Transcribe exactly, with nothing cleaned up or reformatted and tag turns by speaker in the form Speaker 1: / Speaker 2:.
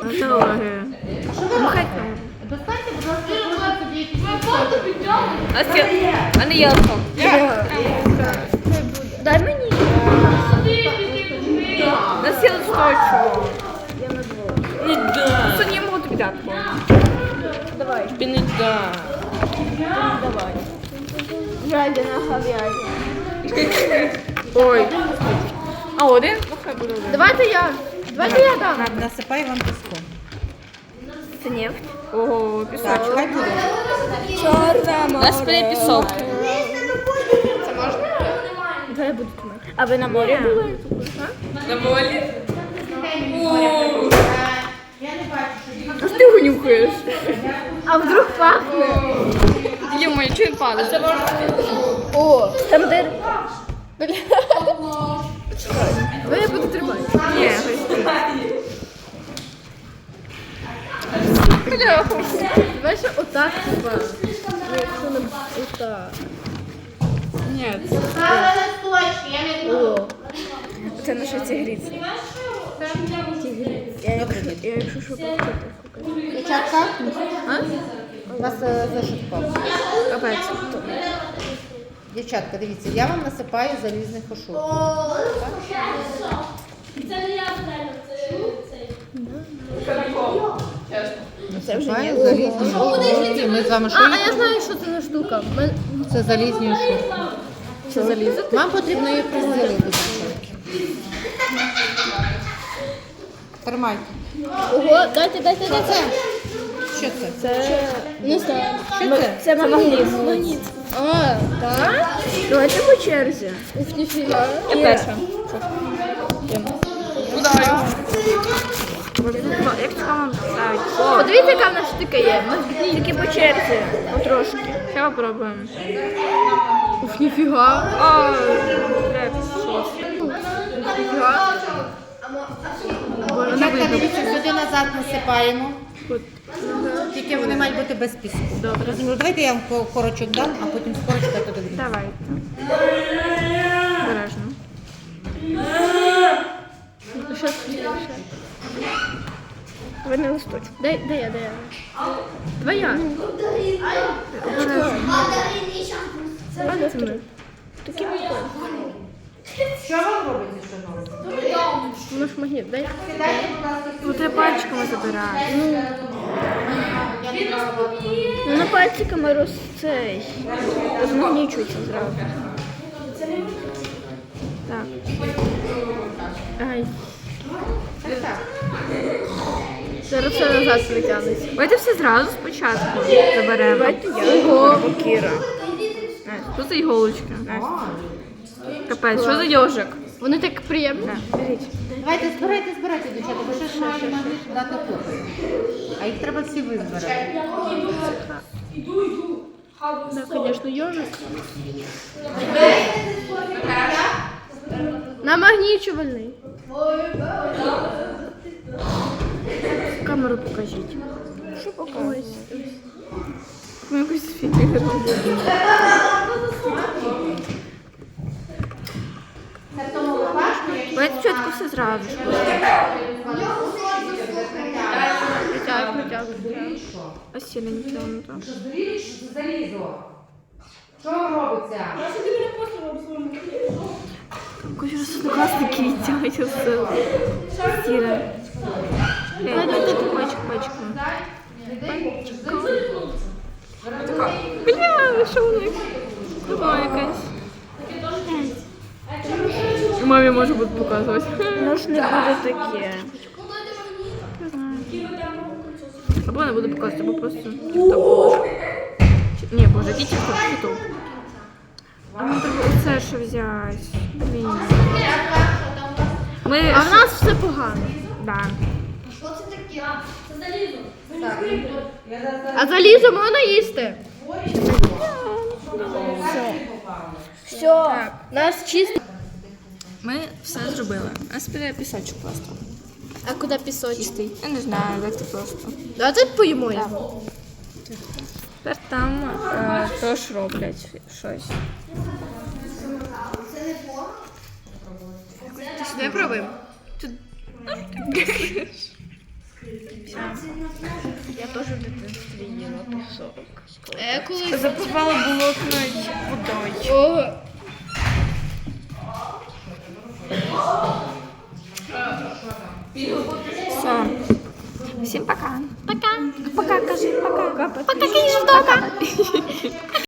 Speaker 1: Ноги.
Speaker 2: Достаньте, будь ласка, собі якісь.
Speaker 1: А не ялко. Дай мені. На силу сточу. Не да. Це не можу тобі дати. Давай. Тобі не да. Давай. Жадина говядина. Ой. А один? Ну хай буде один.
Speaker 3: Давайте я. Давайте я дам.
Speaker 2: Насипай вам піску.
Speaker 1: Це нефть. Ого, пісок.
Speaker 2: Так, хай буде.
Speaker 1: Чорна море. Нас пере пісок.
Speaker 3: Це можна? Давай я буду тримати.
Speaker 1: А ви на морі були? На морі? А ти його нюхаєш?
Speaker 3: А вдруг пахне?
Speaker 1: Йо-моє, чого він падає?
Speaker 3: О, там де... Давай я буду тримати.
Speaker 1: Ні,
Speaker 3: Давай ще отак, типа. Ну, якщо не отак.
Speaker 1: ні.
Speaker 3: О.
Speaker 1: Це наша тигриця.
Speaker 3: Я якщо що покажу.
Speaker 2: Дівчатка, у вас е, зошит впав.
Speaker 1: Капець.
Speaker 2: Дівчатка, дивіться, я вам насипаю залізний фаршур.
Speaker 4: Це не я знаю, це
Speaker 3: Це вже
Speaker 2: Насипаю
Speaker 3: є.
Speaker 2: залізний фаршур. Ми з вами що
Speaker 3: А, а
Speaker 2: їх-
Speaker 3: я знаю, що це за штука. Ми-
Speaker 2: Це залізні уші.
Speaker 3: Це залізо?
Speaker 2: Вам потрібно їх розділити. Тримайте.
Speaker 3: Ого, дайте, дайте, дайте.
Speaker 2: Що це?
Speaker 3: Це... Не знаю.
Speaker 2: Що це?
Speaker 3: Це магніт. Магніт. А, так?
Speaker 1: Давайте по черзі.
Speaker 3: Ух, ніфіга.
Speaker 1: Я перша. Удаю. Як цікаво ставить?
Speaker 3: Подивіться, яка в нас штука є.
Speaker 1: Тільки по черзі. Потрошки. Ще попробуємо.
Speaker 3: Ух, ніфіга.
Speaker 1: О, як сос.
Speaker 3: Ніфіга.
Speaker 2: Дівчатка, дивіться, сюди назад насипаємо. Тільки вони мають бути без піску.
Speaker 1: Добре.
Speaker 2: Ну, давайте я вам ко- корочок дам, а потім з корочка туди вріжу.
Speaker 1: Давайте. Обережно.
Speaker 3: Ще, ще.
Speaker 1: Ви не листочок.
Speaker 3: Дай, дай я, дай я. Давай я.
Speaker 1: А це ми.
Speaker 3: Такі прикольні.
Speaker 2: Що вам робиться, шановні?
Speaker 3: Воно ж магніт, дай.
Speaker 1: Тут я пальчиками забираю.
Speaker 3: Ну, на пальчиками роз цей. Розмагнічується зразу.
Speaker 1: Так.
Speaker 3: Ай. Зараз все назад притягнеться.
Speaker 1: Давайте все зразу спочатку заберемо.
Speaker 3: Давайте я. Ого.
Speaker 1: Кіра. Що за іголочка? Капець, що за йожик?
Speaker 3: Вони так приємні.
Speaker 1: Беріть.
Speaker 2: Давайте, збирайте, збирайте, дівчата, бо ще ж маємо магніт дати купи. А їх треба всі визбирати.
Speaker 3: Так, звісно, йожик. Намагнічувальний.
Speaker 1: Камеру покажіть.
Speaker 3: Що покажуть?
Speaker 1: Ми якусь фігу робимо. Давайте спочатку все зразу.
Speaker 3: Притягуй, притягуй.
Speaker 1: А сіля не тягнуто.
Speaker 2: Здуріли, що це залізо? Що робиться?
Speaker 1: Якось розсудокласники відтягують все. Сіля. Ей, пачку, пачку, пачку. Бля, що у них? О, якась. Мамі може бути показувати. Ну ж не буде таке. Або не буду показувати, або просто тік-топ положу. Чи- Ні, боже, який тік-топ, тік-топ. А мені треба оце що взяти. Блін. Ми...
Speaker 3: А в нас все погано.
Speaker 1: Да.
Speaker 4: Це залізо.
Speaker 3: А залізо можна їсти? Все. Нас чисто.
Speaker 1: Ми все зробили. А спіляє пісочок просто.
Speaker 3: А куди пісочок?
Speaker 1: Чистий. Я не знаю, як це просто.
Speaker 3: Давайте поїмо його.
Speaker 1: Тепер там е, теж роблять щось.
Speaker 3: Давай пробуємо.
Speaker 1: теж в дитинстві їла пісок.
Speaker 3: Е, колись...
Speaker 1: Запивала болотною водою.
Speaker 3: О,
Speaker 1: Все. Всім пока. Пока. Пока, кажи, пока. Пока, кажи, пока.